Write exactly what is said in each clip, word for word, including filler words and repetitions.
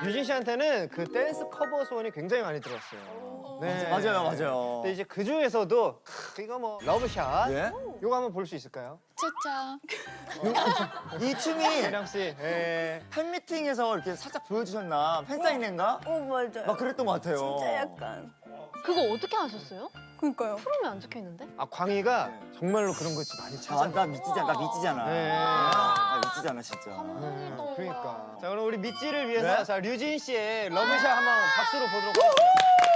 유진 씨한테는 그 댄스 커버 소원이 굉장히 많이 들었어요. 네. 맞아요, 맞아요. 근데 이제 그 중에서도 크, 이거 뭐 러브샷. 예? 이거 한번 볼 수 있을까요? 차차. 이 춤이 혜령 씨. 예. 팬미팅에서 이렇게 살짝 보여주셨나? 팬사인회인가? 어 맞아요. 막 그랬던 것 같아요. 진짜 약간. 그거 어떻게 하셨어요? 그러니까요. 프롬에 안 적혀 있는데? 아 광희가 정말로 그런 거 많이 찾아. 아, 나 미치잖아, 나 미치잖아. 네. 나 미치잖아, 진짜. 네, 그러니까. 자 그럼 우리 미찌를 위해서 네? 자 류진 씨의 러브샷 한번 박수로 보도록 하겠습니다.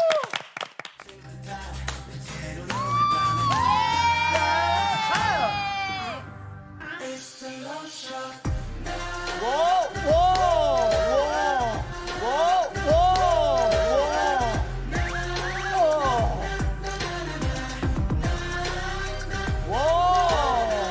와, 와, 와, 와, 와, 와,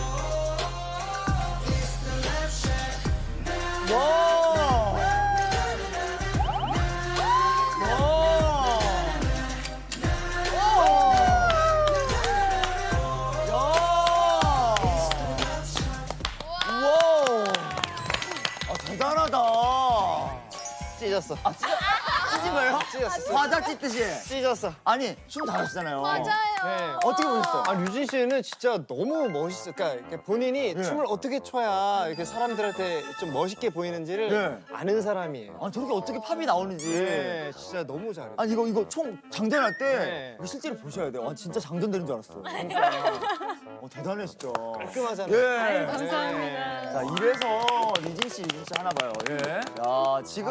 대단하다. 찢었어. 아, 찢, 찢은 거예요? 찢었어. 과자 찢듯이. 찢었어. 아니, 춤 잘하시잖아요. 맞아요. 네. 어떻게 보셨어요? 아 류진 씨는 진짜 너무 멋있어. 그러니까 이렇게 본인이 네. 춤을 어떻게 춰야 이렇게 사람들한테 좀 멋있게 보이는지를 네. 아는 사람이에요. 아, 저렇게 어떻게 팝이 나오는지. 네, 진짜 너무 잘해. 아니, 이거, 이거 총 장전할 때 네. 이거 실제로 보셔야 돼요. 아, 진짜 장전되는 줄 알았어. 어, 대단해, 진짜. 깔끔하잖아요. 예. 감사합니다. 자, 이래서 리진 씨, 리진 씨 하나 봐요. 예. 야, 지금.